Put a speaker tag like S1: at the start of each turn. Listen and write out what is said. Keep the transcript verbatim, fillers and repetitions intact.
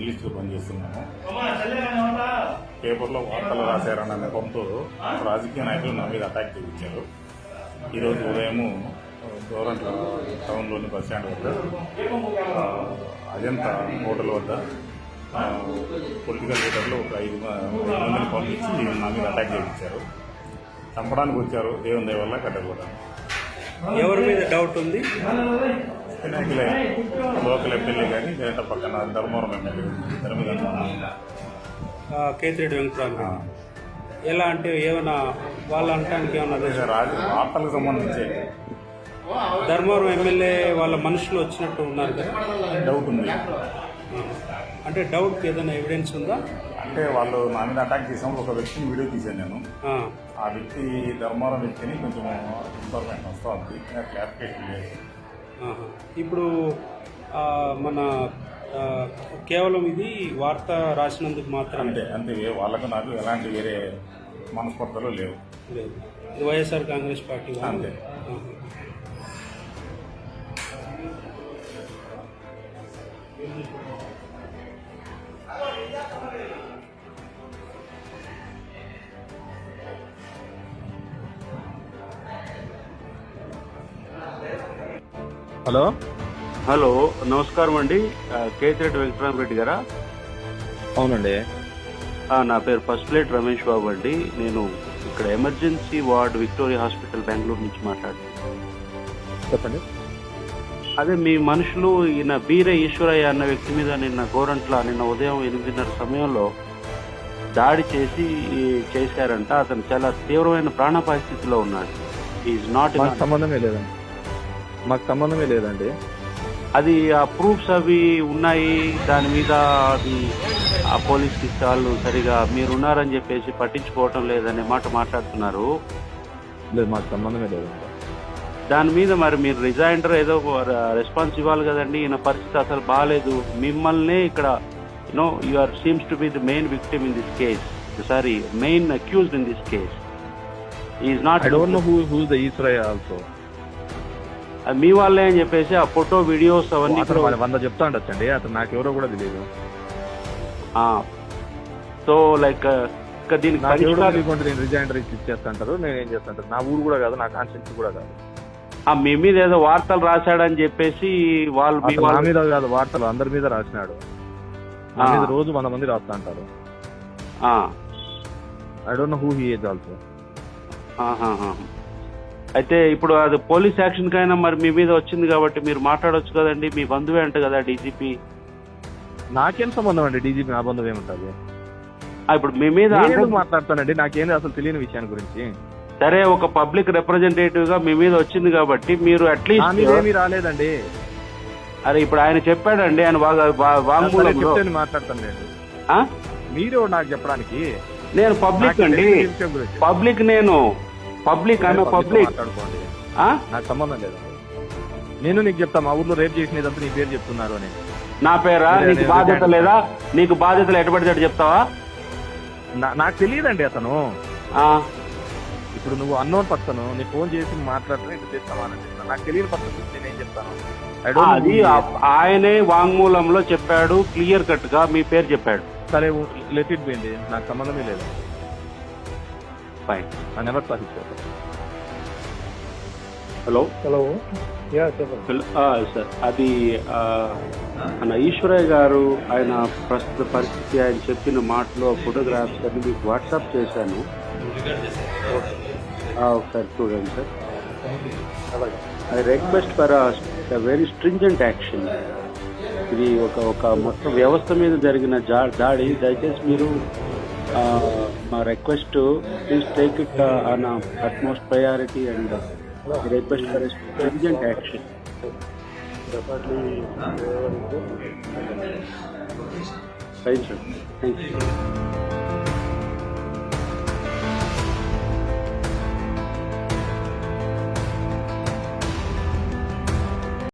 S1: జర్నలిస్టులు పనిచేస్తున్నాము. పేపర్లో వార్తలు రాశారన్న నెపంతో రాజకీయ నాయకులు నా మీద అటాక్ చేయించారు. ఈరోజు ఉదయము గవర్నమెంట్ టౌన్లోని బస్ స్టాండ్ వద్ద అజంతా హోటల్ వద్ద పొలిటికల్ లీడర్లు ఒక ఐదు మందిని పంపించి నా మీద అటాక్ చేయించారు. చంపడానికి వచ్చారు. దేవుని దయ వల్ల కట్టకూడదు.
S2: ఎవరి మీద డౌట్ ఉంది?
S1: వినాయకులే లోకల్ ఎమ్మెల్యే కానీ లేదంటే పక్కన ధర్మవరం ఎమ్మెల్యే ఇద్దరి మీద
S2: కేతిరెడ్డి వెంకటరామ. ఎలా అంటే ఏమైనా వాళ్ళ అంటానికి ఏమన్నా
S1: రాజు వార్తలకు సంబంధించి
S2: ధర్మవరం ఎమ్మెల్యే వాళ్ళ మనుషులు వచ్చినట్టు ఉన్నారు కదా,
S1: డౌట్ ఉంది.
S2: అంటే డౌట్కి ఏదైనా ఎవిడెన్స్ ఉందా?
S1: అంటే వాళ్ళు నా మీద అటాక్ చేసినప్పుడు ఒక వ్యక్తిని వీడియో తీశాను నేను. ఆ వ్యక్తి ధర్మవరం వ్యక్తిని కొంచెం ఇన్ఫర్మేషన్ వస్తుంది, క్లారిఫికేషన్ లేదు.
S2: ఇప్పుడు మన కేవలం ఇది వార్త రాసినందుకు మాత్రం
S1: అంతే అంతే వాళ్ళకు నాకు ఎలాంటి వేరే మనస్పర్ధలు లేవు.
S2: లేదు, ఇది వైఎస్ఆర్ కాంగ్రెస్ పార్టీ
S1: అంతే.
S3: హలో
S4: హలో నమస్కారం అండి. కేతిరెడ్డి వెంకటరామరెడ్డి గారా?
S3: అవునండి.
S4: నా పేరు ఫస్ట్ ప్లేట్ రమేష్ బాబు అండి. నేను ఇక్కడ emergency ward Victoria hospital Bengaluru నుంచి మాట్లాడుతున్నాను.
S3: చెప్పండి.
S4: అదే మీ మనుషులు ఈయన బీరే ఈశ్వరయ్య అన్న వ్యక్తి మీద నిన్న గోరంట్ల నిన్న ఉదయం ఎనిమిదిన్నర సమయంలో దాడి చేసి చేశారంట. అతను చాలా తీవ్రమైన ప్రాణాపాయ స్థితిలో ఉన్నాడు. ఈజ్ నాట్
S3: సంబంధమే లేదండి, మాకు సంబంధమే లేదండి.
S4: అది ఆ ప్రూఫ్స్ అవి ఉన్నాయి దాని మీద. అది ఆ పోలీస్ వాళ్ళు సరిగా మీరున్నారని చెప్పేసి పట్టించుకోవటం లేదనే మాట మాట్లాడుతున్నారు.
S3: లేదు, మాకు సంబంధమే లేదండి.
S4: దాని మీద మరి మీరు రిజైండర్ ఏదో రెస్పాన్స్ ఇవ్వాలి కదండి. ఈయన పరిస్థితి అసలు బాగాలేదు. మిమ్మల్ని ఇక్కడ you know you are seems to be the main victim in this case, sorry main accused in this case. Is not
S3: I don't know who who the Eshwaraiah also.
S4: మీ వాళ్ళే అని చెప్పేసి ఆ ఫోటో వీడియోస్ అవన్నీ
S3: వంద చెప్తా ఉండొచ్చండి. అతను నాకు ఎవరో కూడా తెలియదు.
S4: సో లైక్ దీనికి
S3: నేను రిజైండర్ ఇచ్చి ఇచ్చేస్తాంటారు, నేను ఏం చేస్తాంటారు. నా ఊరు కూడా కాదు, నా కాన్స్టిట్యూన్సీ కూడా కాదు.
S4: మీ మీద ఏదో వార్తలు రాశాడని చెప్పేసి వాళ్ళు
S3: నా మీద కాదు, వార్తలు అందరి మీద రాసినాడు. నా మీద రోజు వంద మంది రాస్తా అంటారు. I don't know who he is also.
S4: అయితే ఇప్పుడు అది పోలీస్ యాక్షన్ కైనా మరి మీ మీద వచ్చింది కాబట్టి మీరు మాట్లాడొచ్చు కదండి. మీ బంధువే అంట కదా డీజీపీ.
S3: నాకేం సంబంధం అండి డీజీపీ, నా బంధువు ఏముంటుంది?
S4: ఇప్పుడు మీ మీద
S3: మాట్లాడతానండి, నాకేంది అసలు తెలియని విషయాన్ని గురించి.
S4: సరే, ఒక పబ్లిక్ రిప్రజెంటేటివ్ గా మీ మీద వచ్చింది కాబట్టి మీరు అట్లీస్ట్
S3: ఏమీ రాలేదండి.
S4: అరే ఇప్పుడు ఆయన చెప్పాడండి, ఆయన
S3: చెప్తే మాట్లాడతానండి. మీరు నాకు చెప్పడానికి
S4: నేను పబ్లిక్ అండి, పబ్లిక్ నేను పబ్లిక్ అన్న పబ్లిక్
S3: మాట్లాడుకోండి, నాకు సంబంధం లేదు. నేను నీకు చెప్తా, మా ఊర్లో రేపు చేసినదంతా నీ పేరు చెప్తున్నారు అని.
S4: నా పేరా? నీకు బాధ్యత లేదా? నీకు బాధ్యతలు ఎటుపడితే చెప్తావా?
S3: నాకు తెలియదండి అతను. ఇప్పుడు నువ్వు అన్నోన్ పర్సన్, నీ ఫోన్ చేసి మాట్లాడుతూ ఇంత చేస్తామని చెప్తాను. నాకు తెలియని పర్సన్ నేనేం చెప్తాను?
S4: అది ఆయనే వాంగ్మూలంలో చెప్పాడు, క్లియర్ కట్ గా మీ పేరు చెప్పాడు.
S3: సరే, లెట్ ఇట్ బి అండి, నాకు సంబంధమే లేదు.
S4: Fine.
S3: I never thought it was.
S4: Hello
S3: hello yeah చెప్పండి
S4: సార్. అది మన ఈశ్వరయ్య గారు ఆయన ప్రస్తుత పరిస్థితి, ఆయన చెప్పిన మాటలో ఫోటోగ్రాఫ్స్ అన్ని మీకు వాట్సాప్ చేశాను, ఒకసారి చూడండి sir. I request for very stringent action. ఇది ఒక ఒక మొత్తం వ్యవస్థ మీద జరిగిన దాడి. దయచేసి మీరు మా request, please take it on utmost priority and request for stringent action. Right sir, thank you.